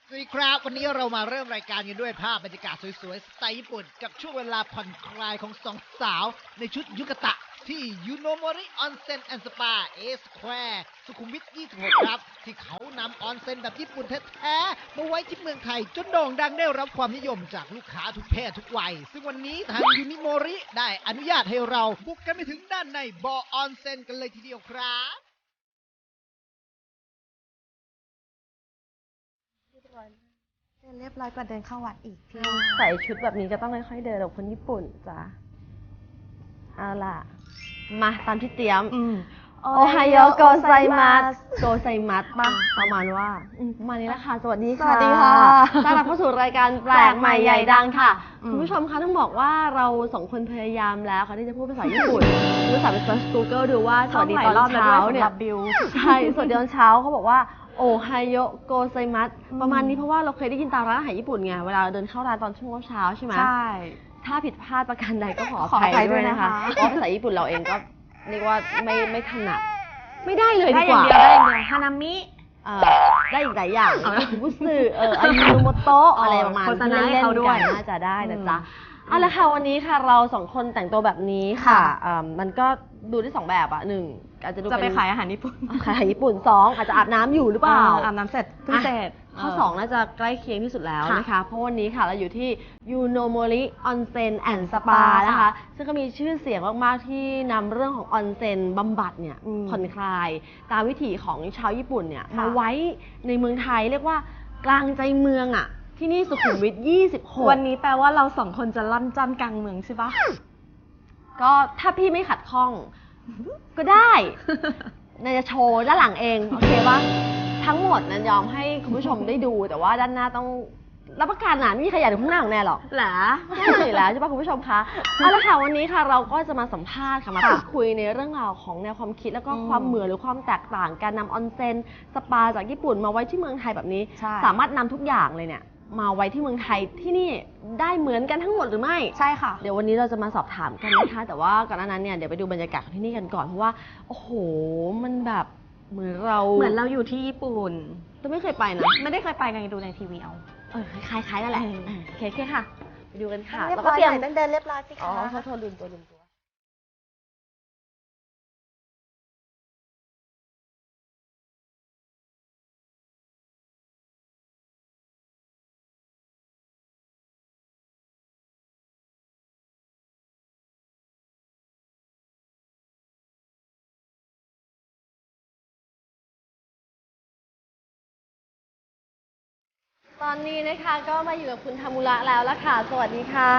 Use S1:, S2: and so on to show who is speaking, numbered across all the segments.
S1: สวัสดีครับวันนี้เรามาเริ่มรายการกันด้วยภาพบรรยากาศสวยๆสไตล์ญี่ปุ่นกับช่วงเวลาผ่อนคลายของสองสาวในชุดยุกะตะที่ยูโนโมริออนเซ็นแอนด์สปาเอสแควร์สุขุมวิท26ครับที่เขานำออนเซ็นแบบญี่ปุ่นแท้ๆมาไว้ที่เมืองไทยจนโด่งดังได้รับความนิยมจากลูกค้าทุกเพศทุกวัยซึ่งวันนี้ทางยูนิโมริได้อนุญาตให้เราบุกกันไปถึงด้านในบ่อออนเซ็นกันเลยทีเดียวครับ
S2: เดินเรียบร้อยกว่าเดินเข้าวัดอีกพี่
S3: ใส่ชุดแบบนี้ก็ต้องค่อยๆเดินแบบคนญี่ปุ่นจ้ะเอาล่ะมาตามที่เตรียมโอไฮโอโกไซมัสโกไซมัสป่ะประมาณว่าประมาณนี้แหละค่ะสวัสดีค่ะ
S2: สวัสดีค่ะ
S3: ต้อนรับเข้าสู่รายการแปลกใหม่ใหญ่ดังค่ะคุณผู้ชมคะต้องบอกว่าเราสองคนพยายามแล้วค่ะที่จะพูดภาษาญี่ปุ่นรู้จักไป search Google ดูว่าสวัสดีตอนเช้าเนี่ยใช่สวัสดีตอนเช้าเขาบอกว่าโอไฮโอโกไซมัสประมาณนี้เพราะว่าเราเคยได้ยินตามร้านอาหารญี่ปุ่นไงเวลาเดินเข้าร้านตอนช่วงเช้าใช่ไหม
S2: ใช่
S3: ถ้าผิดพลาดประการใดก็ขออภัยด้วยนะคะเพราะภาษาญี่ปุ่นเราเองก็เรียกว่าไม่ถนัดไม่ได้เลยดีกว่า
S2: ได้อย่างเดียวฮานามิ
S3: ได้อีกหลายอย่างบุสึอายุโนโมโตะอะไรประมาณที่เล่นๆกันน่าจะได้นะจ๊ะเอาละค่ะวันนี้ค่ะเราสองคนแต่งตัวแบบนี้ค่ะมันก็ดูได้สองแบบอ่ะหนึ่งอาจจะดู
S2: จะไปขายอาหารญี่ปุ่น
S3: ขายอาหารญี่ปุ่นสองอาจจะอาบน้ำอยู่หรือเปล่า
S2: อาบน้ำเสร็จเพิ่งเสร็จ
S3: ข้อ2น่าจะใกล้เคียงที่สุดแล้วนะคะเพราะวันนี้ค่ะเราอยู่ที่ยูโนโมริออนเซ็นแอนด์สปานะคะซึ่งก็มีชื่อเสียงมากๆที่นำเรื่องของออนเซ็นบำบัดเนี่ยผ่อนคลายตามวิถีของชาวญี่ปุ่นเนี่ยมาไว้ในเมืองไทยเรียกว่ากลางใจเมืองอ่ะที่นี่สุขุมวิท26
S2: วันนี้แปลว่าเราสองคนจะล่ำจ้ำกลางเมืองใช่ปะ
S3: ก็ถ้าพี่ไม่ขัดข้องก็ได้นายจะโชว์ด้านหลังเองโอเคปะทั้งหมดนั้นยอมให้คุณผู้ชมได้ดูแต่ว่าด้านหน้าต้องรับประกันนะไม่มีใครอยากดูข้างหน้าของแน่หรอก
S2: หรอ
S3: ใช่แล้วใช่ปะคุณผู้ชมคะเอาละค่ะวันนี้ค่ะเราก็จะมาสัมภาษณ์ค่ะมาพูดคุยในเรื่องราวของแนวความคิดแล้วก็ความเหมือนหรือความแตกต่างการนำออนเซ็นสปาจากญี่ปุ่นมาไว้ที่เมืองไทยแบบนี้สามารถนำทุกอย่างเลยเนี่ยมาไว้ที่เมืองไทยที่นี่ได้เหมือนกันทั้งหมดหรือไม่
S2: ใช่ค่ะ
S3: เดี๋ยววันนี้เราจะมาสอบถามกันนะคะแต่ว่าก่อนหน้านั้นเนี่ยเดี๋ยวไปดูบรรยากาศที่นี่กันก่อนเพราะว่าโอ้โหมันแบบเหมือนเรา
S2: อยู่ที่ญี่ปุ่น
S3: แต่ไม่เคยไปนะ
S2: ไม่ได้เคยไปไงดูในทีวีเอา
S3: คล้ายๆนั่นแหละโอเคค่ะไปดูกันค่ะ
S2: แล้วก็เตรียมต้องเดินเรียบร้อยสิคะ
S3: โทษลืมตัวตอนนี้นะคะก็มาอยู่กับคุณทามุระแล้วละค่ะสวัสดีค่ะ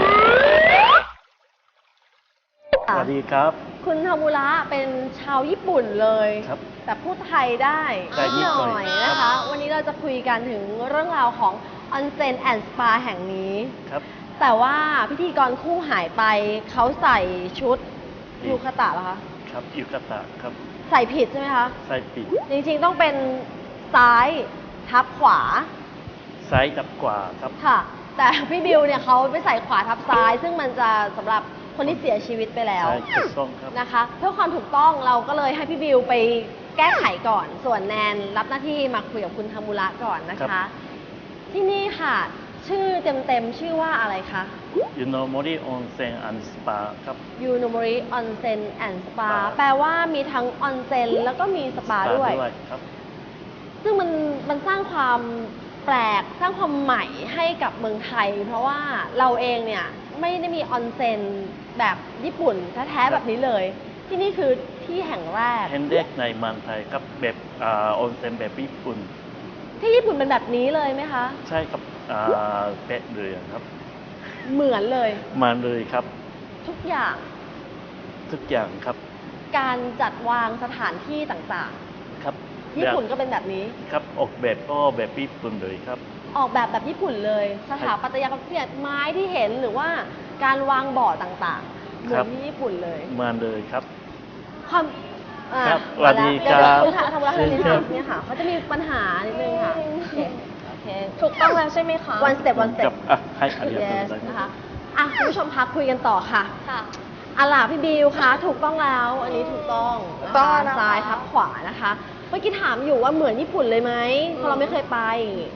S4: สวัสดีครับ
S3: คุณทามุระเป็นชาวญี่ปุ่นเลย
S4: ครับ
S3: แต่พูดไทยได้นิดหน่อยนะคะวันนี้เราจะคุยกันถึงเรื่องราวของออนเซ็นแอนด์สปาแห่งนี้
S4: ครับ
S3: แต่ว่าพิธีกรคู่หายไปเขาใส่ชุดยูคาตะเหรอคะ
S4: ครับยูคาตะครับ
S3: ใส่ผิดใช่ไหมคะ
S4: ใส่ผิด
S3: จริงๆต้องเป็นซ้ายทับขวา
S4: ซ้ายทับขวาครับ
S3: ค่ะแต่พี่บิวเนี่ยเขาไปใส่ขวาทับซ้ายซึ่งมันจะสำหรับคนที่เสียชีวิตไปแล้ว
S4: ใช่ถูกต้องครับ
S3: นะคะเพื่อความถูกต้องเราก็เลยให้พี่บิวไปแก้ไขก่อนส่วนแนนรับหน้าที่มาคุยกับคุณทามุระก่อนนะคะที่นี่ค่ะชื่อเต็มๆชื่อว่าอะไรคะ
S4: ยูโนโมริออนเซ็นแอนด์สปาครับ
S3: ยูโนโมริออนเซ็นแอนด์สปาแปลว่ามีทั้งออนเซ็นแล้วก็มีสปาด้วย
S4: ครับ
S3: ซึ่งมันสร้างความแปลกสร้างความใหม่ให้กับเมืองไทยเพราะว่าเราเองเนี่ยไม่ได้มีออนเซ็นแบบญี่ปุ่นแท้ๆแบบนี้เลยที่นี่คือที่แห่งแรก
S4: แห่งแรกในเมืองไทยครับแบบออนเซ็นแบบญี่ปุ่น
S3: ที่ญี่ปุ่นเป็นแบบนี้เลยไหมคะ
S4: ใช่ครับเป๊ะเลยครับ
S3: เหมือนเลย
S4: มาเลยครับ
S3: ทุกอย่าง
S4: ครับ
S3: การจัดวางสถานที่ต่าง
S4: ๆครับ
S3: ญี่ปุ่นก็เป็นแบบนี้
S4: ครับออกแบบก็แบบญี่ปุ่นเลยครับ
S3: ออกแบบญี่ปุ่นเลยสถาปัตยกรรมเนี่ยไม้ที่เห็นหรือว่าการวางบ่อต่างๆเหมือนที่ญี่ปุ่นเลย
S4: มาเลยครับ
S3: ความ
S4: ครับสวัสดีครับ
S3: คุณทำร้านนิดนึงเนี่ยค่ะเขาจะมีปัญหานิดนึงค่ะโอเค
S2: ถูกต้องแล้วใช่ไหมคะ
S3: one step
S4: ให้อธิบาย
S3: นะคะคุณผู้ชมพักคุยกันต่อค่ะล่ะพี่บิวคะถูกต้องแล้วอันนี้ถูกต้องนะคะซ้ายทับขวานะคะเมื่อกี้ถามอยู่ว่าเหมือนญี่ปุ่นเลยไหมเพราะเราไม่เคยไป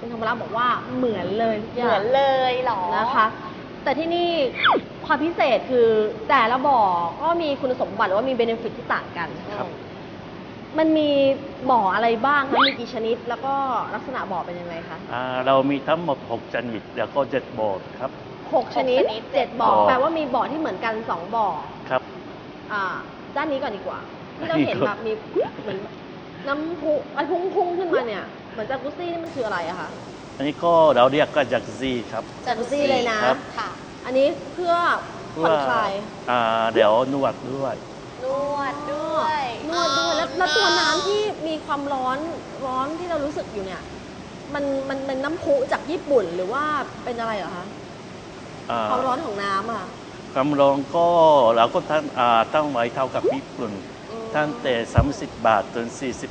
S3: คุณธรรมรักษ์บอกว่าเหมือนเลยทุกอย่าง
S2: เหมือนเลยเหรอ
S3: นะคะ แต่ที่นี่ความพิเศษคือแต่ละบ่อก็มีคุณสมบัติหรือว่ามีเบนฟิตที่ต่างกัน
S4: ครับ
S3: มันมีบ่ออะไรบ้างคะมีกี่ชนิด แล้วก็ลักษณะบ่อเป็นยังไงคะ
S4: เรามีทั้งหมด6ชนิดแล้วก็7บ่อครับ
S3: 6 ชนิด
S2: ชนิด
S3: 7 บ่อ
S4: บ่อ
S3: แปลว่ามีบ่อที่เหมือนกัน 2 บ่อ
S4: ครับ
S3: ด้านนี้ก่อนดีกว่า ที่เราเห็นแบบมีเหมือนน้ำพุอะไรพุ่งขึ้นมาเนี่ย เหมือนจากกุซี่นี่มันคืออะไรอะคะ
S4: อันนี้ก็เราเรียกก็จากซีครับ
S3: จากกุซี่เลยนะ
S4: ครับ
S2: ค่ะ
S3: อันนี้เพื่อผ่อนคลาย
S4: เดี๋ยวนวดด้วย
S2: นวดด้วย
S3: นวดด้วยแล้วตัวน้ำที่มีความร้อนที่เรารู้สึกอยู่เนี่ย มันเป็นน้ำพุจากญี่ปุ่นหรือว่าเป็นอะไรเหรอคะ
S4: อ่า
S3: ความร้อนของน้ำอะ
S4: ความร้อนก็เราก็ตั้งไว้เท่ากับญี่ปุ่นตั้งแต่30 บาทจน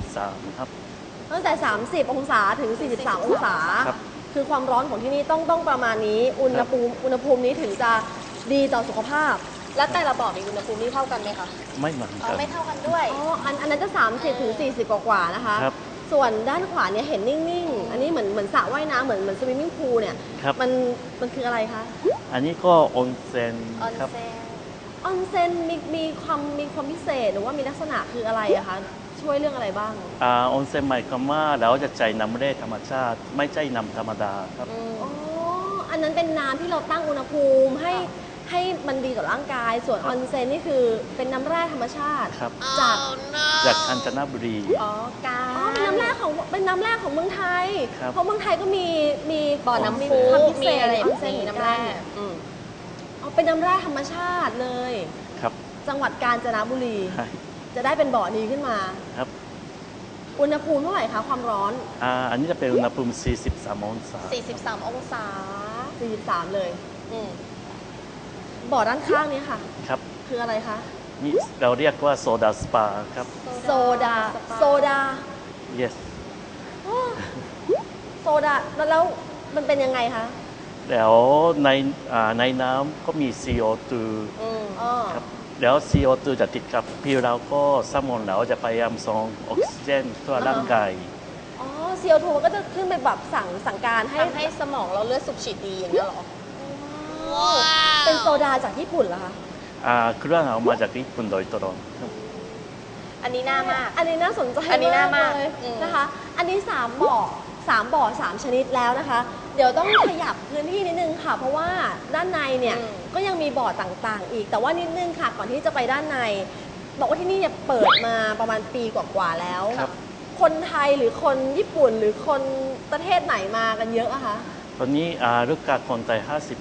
S4: 43ครับ
S3: ตั้งแต่ 30 องศาถึง 43 องศา
S4: ครับ
S3: คือความร้อนของที่นี่ต้องประมาณนี้ อุณหภูมินี้ถึงจะดีต่อสุขภาพ
S2: แล้วแต่ละบ่อมีอุณหภูมิที่เท่ากันไหมคะ
S4: ไม่เหมือน
S2: อ๋อ
S4: กัน
S2: ไม่เท่ากันด้วย
S3: อ๋ออันนั้นจะ 30 ถึง 40 กว่าๆนะคะ
S4: ครับ
S3: ส่วนด้านขวาเนี่ยเห็นนิ่งๆ อันนี้เหมือนสระว่ายน้ำเหมือนสวิมมิ่งพูลเนี่ย
S4: ครับ
S3: มันคืออะไรคะ
S4: อันนี้ก็ออนเซ็น
S2: ออน
S4: ครับ
S2: เซ็น
S3: ออนเซ็นมีความพิเศษหรือว่ามีลักษณะคืออะไรอะคะ ช่วยเรื่องอะไรบ้าง
S4: ออนเซ็นหมายความว่าเราจะใช้น้ำแร่ธรรมชาติ ไม่ใช่น้ำธรรมดาครับ
S3: อ๋อ อันนั้นเป็นน้ำที่เราตั้งอุณหภูมิให้มันดีต่อร่างกาย ส่วน
S4: ครั
S3: อบ อนเซ็นนี่คือเป็นน้ำแร่ธรรมชาติ
S4: ครับ
S3: จาก
S4: จากกาญจนบุรี
S2: อ๋อกา
S3: อ๋อเป็นน้ำแร่ของเมืองไทย
S4: ครับ
S3: เพราะเมืองไทยก็มี
S2: บ่อน้ำ
S3: มี
S2: พุ
S3: ความพิเศ
S2: มี
S3: ษ
S2: อะไร
S3: ออนเซ็น
S2: มี
S3: เหมือน
S2: น้ำ
S3: กั
S2: แร่
S3: อ๋อเป็นน้ำแร่ธรรมชาติเลย
S4: ครับ
S3: จังหวัดกาญจนบุรี
S4: ใช่
S3: จะได้เป็นบ่อนี้ขึ้นมา
S4: ครับ
S3: อุณหภูมิเท่าไหร่คะความร้อน
S4: อันนี้จะเป็นอุณหภูมิ43 องศา
S2: 43 องศา
S3: 43 เลย
S2: อืม
S3: บ่อด้านข้างนี้ค่ะ
S4: ครับ
S3: คืออะไรคะ
S4: นี่เราเรียกว่าโซดาสปาครับ
S3: โซดา
S4: yes
S3: อ้อโซดาแล้วมันเป็นยังไงคะ
S4: แล้วในน้ำก็มี CO2
S3: อ๋อ
S4: ครับแล้ว CO2 จะติดกับผิวเราก็สมองเราจะพยายามส่งออกซิเจนทั่วร่างกาย
S3: อ๋อ CO2 มันก็จะขึ้นไปแบบสั่งการให้
S2: ทำให้สมองเราเลือดสูบฉีดดีอย่างนี้ยเหรอ
S3: เป็นโซดาจากญี่ปุ่นเหรอคะ
S4: เครื่องเอามาจากญี่ปุ่นโดยตรงครับ
S2: อันนี้น่ามาก
S3: อันนี้น่าสนใจ
S2: อันนี้น่ามาก
S3: เลย
S2: อืม
S3: นะคะ อันนี้3 บ่อ 3 ชนิดแล้วนะคะ เดี๋ยวต้องขยับพื้นที่นิดนึงค่ะ เพราะว่าด้านในเนี่ยก็ยังมีบ่อต่างๆ อีก แต่ว่านิดนึงค่ะ ก่อนที่จะไปด้านใน บอกว่าที่นี่เนี่ยเปิดมาประมาณปีกว่าๆแล้ว
S4: ครับ
S3: คนไทยหรือคนญี่ปุ่นหรือคนประเทศไหนมากันเยอะอะคะ
S4: ตอนนี้ลูกค้าคนไทย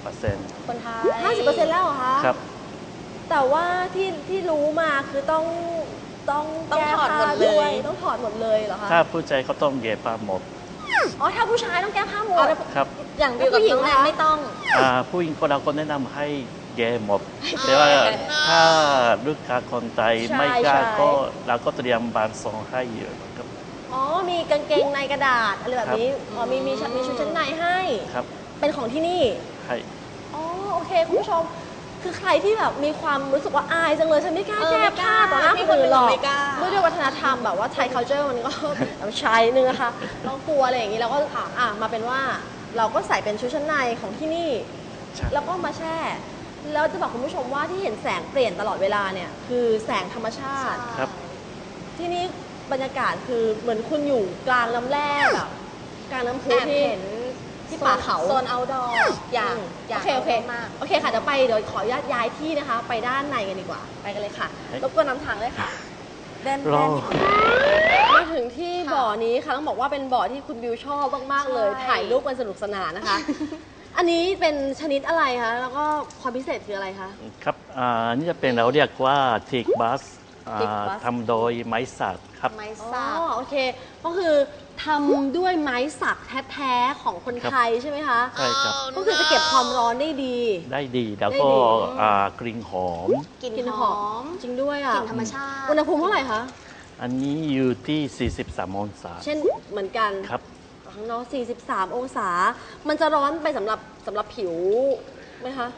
S4: 50%
S2: คนไทย
S3: 50%แล้วเหรอคะ
S4: ครับ
S3: แต่ว่าที่รู้มาคือต้อง
S2: ต้อง
S3: แก้
S2: ถอด
S3: ผ้า
S2: หมดเลย
S3: ด้วยต้องถอดหมดเลยเหรอคะ
S4: ถ้าผู้ใจเขาต้องเย็บผ้าหมด
S3: อ๋อถ้าผู้ชายต้องแก้ผ้าหมด
S4: ครับ
S2: อย่างบิวกับน้องแนนไม่ต้อง
S4: ผู้หญิงคนเราก็แนะนำให้แย่หมด แต่ว่าถ้าลูกค้าคนไทยไม่กล้าก็เราก็เตรียมบานซองให้เยอะครับ
S3: อ๋อมีกางเกงในกระดาษอะไรแบบนี้อ๋อมีชุดชั้นในให้
S4: ครับ
S3: เป็นของที่นี่
S4: ให้
S3: อ๋อโอเคคุณผู้ชม คือใครที่แบบมีความรู้สึกว่าอายจังเลยฉันไม่กล้าแก้ผ้าต่อหน้าคนอื่นหรอก
S2: ไม่กล้า
S3: ด้วยวัฒนธรรมแบบว่าไทย culture มันก็แบบชายนึงนะคะต้องกลัวอะไรอย่างนี้เราก็มาเป็นว่าเราก็ใส่เป็นชุดชั้นในของที่นี่
S4: ใช่
S3: แล้วก็มาแช่ แล้วจะบอกคุณผู้ชมว่าที่เห็นแสงเปลี่ยนตลอดเวลาเนี่ยคือแสงธรรมชาติ
S4: ครับ
S3: ที่นี่บรรยากาศคือเหมือนคุณอยู่กลางน้ำแร่แบบกลางน้ำพุ
S2: แอบ
S3: ที่
S2: เห็น
S3: ที่ป่าเขา
S2: โซน outdoor อยาก
S3: โอเคโอเค
S2: มาก
S3: โอเคค่ะเดี๋ยวเดี๋ยวขออนุญาตย้ายที่นะคะ ไปด้านในกันดีกว่า ไปกันเลยค่ะ รบกวนนำทางเลยค่ะ
S2: แดน
S4: รอ
S3: มาถึงที่บ่อนี้ค่ะต้องบอกว่าเป็นบ่อที่คุณบิวชอบมากๆเลย
S2: ใช่
S3: ถ่ายรูปกันสนุกสนานนะคะ อันนี้เป็นชนิดอะไรคะแล้วก็ความพิเศษคืออะไรคะ
S4: ครับอันนี้จะเป็นเราเรียกว่าทิกบัส
S3: Teak bus
S4: ทำโดยไม้สักครับ
S2: ไม้
S3: อ๋
S2: สัก
S3: อโอเค ก็คือทำด้วยไม้สักแท้ๆของคนไทยใช่ไหมคะ
S4: ใช่ครับ
S3: ก็คือจะเก็บความร้อนได้ดี
S4: ได้ดีแล้วก็
S3: ได้ดี
S4: กลิ่นหอม
S2: กลิ่น
S3: กลิ่น
S2: ห
S3: ห
S2: อ
S3: อ
S2: ม
S3: มจริงด้วยอ่ะ
S2: กลิ่นธรรมชาติ
S3: อุณหภูมิเท่าไหร่คะ
S4: อันนี้อยู่ที่ 43 องศา
S3: เช่นเหมือนกัน
S4: ครับ
S3: ข้างนอก43 องศา มันจะร้อนไปสำหรับผิวไหมคะ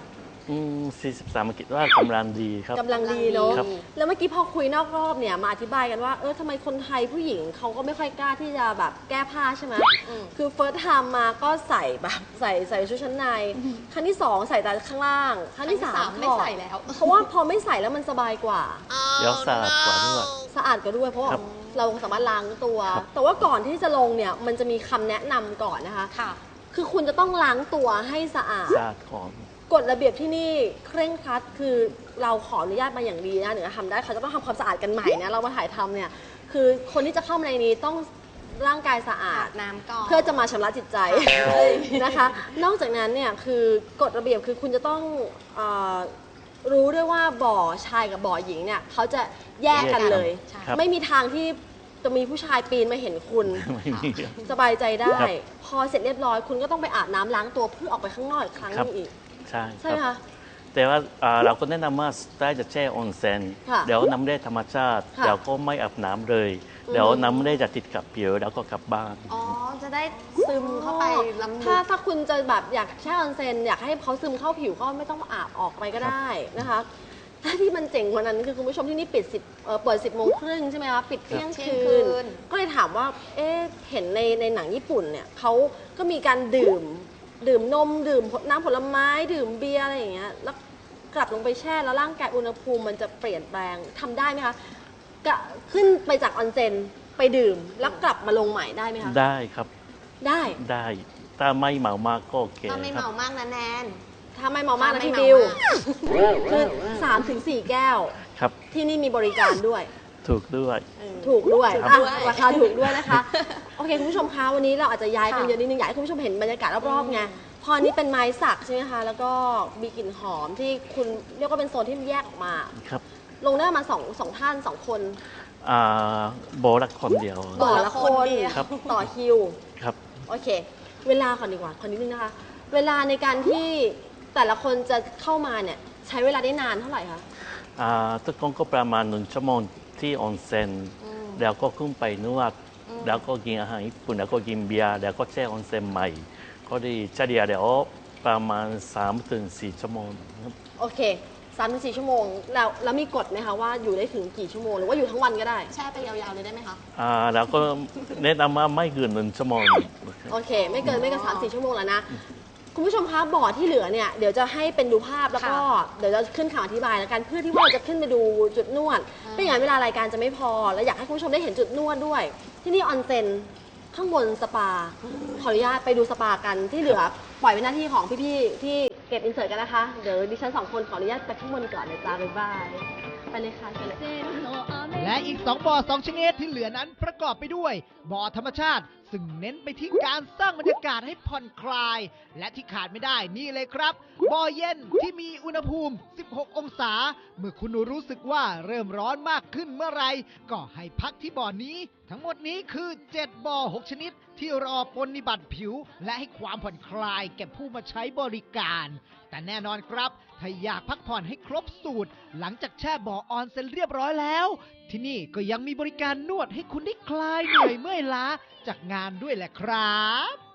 S4: 43คิดว่ากำลังดีครับ
S3: กำลังดีเนาะ
S4: ครับ
S3: แล้วเมื่อกี้พอคุยนอกรอบเนี่ยมาอธิบายกันว่าทำไมคนไทยผู้หญิงเขาก็ไม่ค่อยกล้าที่จะแบบแก้ผ้าใช่ไหมคือเฟิร์สไทม์มาก็ใส่แบบใส่ชุดชั้นในครั้งที่สองใส่แต่ข้างล่างครั้งที่สาม
S2: ไม่ใส่แล้ว
S3: เพราะว่าพอไม่ใส่แล้วมันสบายกว่า
S4: เดี๋ยวสะอาดกว่าด้วย
S3: สะอาดกว่าด้วยเพราะว่า
S4: ครับ
S3: เราสามารถล้างตัว
S4: ครับ
S3: แต่ว่าก่อนที่จะลงเนี่ยมันจะมีคำแนะนำก่อนนะคะ
S2: ค่ะ
S3: คือคุณจะต้องล้างตัวให้สะอาด
S4: สะอาดก่อน
S3: กฎระเบียบที่นี่เคร่งครัดคือเราขออนุญาตมาอย่างดีนะถึงจะทำได้เขาจะต้องทำความสะอาดกันใหม่นะเรามาถ่ายทำเนี่ยคือคนที่จะเข้ามาในนี้ต้องร่างกายสะอา
S2: อา
S3: ด
S2: บน้ำก่อน
S3: เพื่อจะมาชำระจิตใจนะคะ นอกจากนั้นเนี่ยคือกฎระเบียบคือคุณจะต้องรู้ด้วยว่าบ่อชายกับบ่อหญิงเนี่ยเขาจะแยกกันเลย
S2: ใช่
S4: ครับ
S3: ไม่มีทางที่จะมีผู้ชายปีนมาเห็นคุณ
S4: ไม่มีครับ
S3: สบายใจได้
S4: ครับ
S3: พอเสร็จเรียบร้อยคุณก็ต้องไปอาบน้ำล้างตัวเพื่อออกไปข้างนอกอีกครั้งห
S4: ครั
S3: นึ
S4: บ
S3: งอีก
S4: ใช่
S3: ใช่ไหม
S4: ครั
S3: คะ
S4: บแต่ว่าเราก็แนะนำว่าได้จะแช่ออนเซ็น
S3: ค่ะ
S4: เดี๋ยวน้ำแร่ธรรมชาติ
S3: ค่ะ
S4: เดี๋ยวก็ไม่อาบน้ำเลย เดี๋ยวน้ำแร่จะติดกับผิวแล้วก็กลับบ้าน
S2: อ๋อ จะได้ซึมเข้าไปลำลึก
S3: ถ้าคุณจะแบบอยากแช่ออนเซ็นอยากให้เขาซึมเข้าผิวก็ไม่ต้องอาบออกไปก็ได้นะคะถ้าที่มันเจ๋งกว่านั้นคือคุณผู้ชมที่นี่เปิด 10 โมงครึ่งใช่ไหมคะปิดเที่ยง
S2: เที่ยง
S3: คื
S2: คื
S3: น
S2: น
S3: ก็เลยถามว่าเห็นในหนังญี่ปุ่นเนี่ยเขาก็มีการดื่มนมดื่มน้ำผลไม้ดื่มเบียร์อะไรอย่างเงี้ยแล้วกลับลงไปแช่แล้วร่างกายอุณหภูมิมันจะเปลี่ยนแปลงทำได้ไหมคะขึ้นไปจากออนเซ็นไปดื่มแล้วกลับมาลงใหม่ได้ไหมคะ
S4: ได้ครับ
S3: ได้
S4: ได้ ถ้าไม่เมามากก็โอเค
S2: ก็ไม่
S4: ครั
S2: เมา
S4: บ
S2: มากนะแนน
S3: ถ้าไม่เมามากนะ
S2: ถ้าไม่
S3: พี่
S2: เมา
S3: บิว
S2: มาก
S3: คือ3-4 แก้ว
S4: ครับ
S3: ที่นี่มีบริการด้วย
S4: ถูกด้วย
S3: ถูกด้วย
S2: ครับ
S3: อ่ะราคาถูกด้วยนะคะ โอเค คุณผู้ชมคะวันนี้เราอาจจะย้ายกัน
S2: ค่ะ
S3: เยอะนิดนึงอยากให้คุณผู้ชมเห็นบรรยากาศรอบๆไงพออันนี้เป็นไม้สักใช่ไหมคะแล้วก็มีกลิ่นหอมที่คุณเรียกว่าเป็นโซนที่แยกออกมา
S4: ครับ
S3: ลงได้มาสองท่านสองคน
S4: โบละคนเดียว
S3: ต่อละคน
S4: ครับ
S3: ต่อคิว
S4: ครับ
S3: โอเค เวลาก่อนดีกว่าขอนิดนึงนะคะ เวลาในการที่แต่ละคนจะเข้ามาเนี่ยใช้เวลาได้นานเท่าไหร่คะ
S4: ทุกคนก็ประมาณ1 ชั่วโมงที่ออนเซ็นแล้วก็ขึ้นไปนวด แล้วก็กินอาหารญี่ปุ่นแล้วก็กินเบียร์แล้วก็แช่ออนเซ็นใหม่ ก็ได้เฉลี่ยเดี๋ยวประมาณ3-4 ชั่วโมงครับ
S3: โอเค3-4 ชั่วโมงแล้วมีกฎไหมคะว่าอยู่ได้ถึงกี่ชั่วโมงหรือว่าอยู่ทั้งวันก็ได้
S2: แช่ไปยาวๆเลยได้ไหมคะ
S4: แล้วก็แนะนำว่าไม่เกิน1 ชั่วโมง
S3: โอเค ไม่เกิน3-4 ชั่วโมงแล้วนะ คุณผู้ชมคะบอร์ดที่เหลือเนี่ยเดี๋ยวจะให้เป็นดูภาพแล้วก็เดี๋ยวจะขึ้นข่าวอธิบายแล้วกันเพื่อที่ว่าเราจะขึ้นไปดูจุดนวดไม่อย่างนั้นเวลารายการจะไม่พอ แล้วอยากให้คุณผู้ชมได้เห็นจุดนวดด้วย ที่นี่ออนเซ็นข้างบนสปาขออนุญาตไปดูสปากันที่เหลือปล่อยเป็นหน้าที่ของพี่ๆที่เก็บอินเสิร์ตกันนะคะเดี๋ยวดิฉัน2 คนขออนุญาตไปข้างบนก่อนนะจ๊ะบ๊ายบายไปเลยค่ะเชิญเลย
S1: และอีก 2 บ่อ 2 ชนิดที่เหลือนั้นประกอบไปด้วย บ่อธรรมชาติ ซึ่งเน้นไปที่การสร้างบรรยากาศให้ผ่อนคลาย และที่ขาดไม่ได้นี่เลยครับ บ่อเย็นที่มีอุณหภูมิ 16 องศา เมื่อคุณรู้สึกว่าเริ่มร้อนมากขึ้นเมื่อไหรก็ให้พักที่บ่อนี้ ทั้งหมดนี้คือ 7 บ่อ 6 ชนิด ที่รอปรนนิบัติผิว และให้ความผ่อนคลายแก่ผู้มาใช้บริการ แต่แน่นอนครับ ถ้าอยากพักผ่อนให้ครบสูตร หลังจากแช่บ่อออนเซ็นเรียบร้อยแล้ว ที่นี่ก็ยังมีบริการนวดให้คุณได้คลายเหนื่อยเมื่อยล้าจากงานด้วยแหละครับ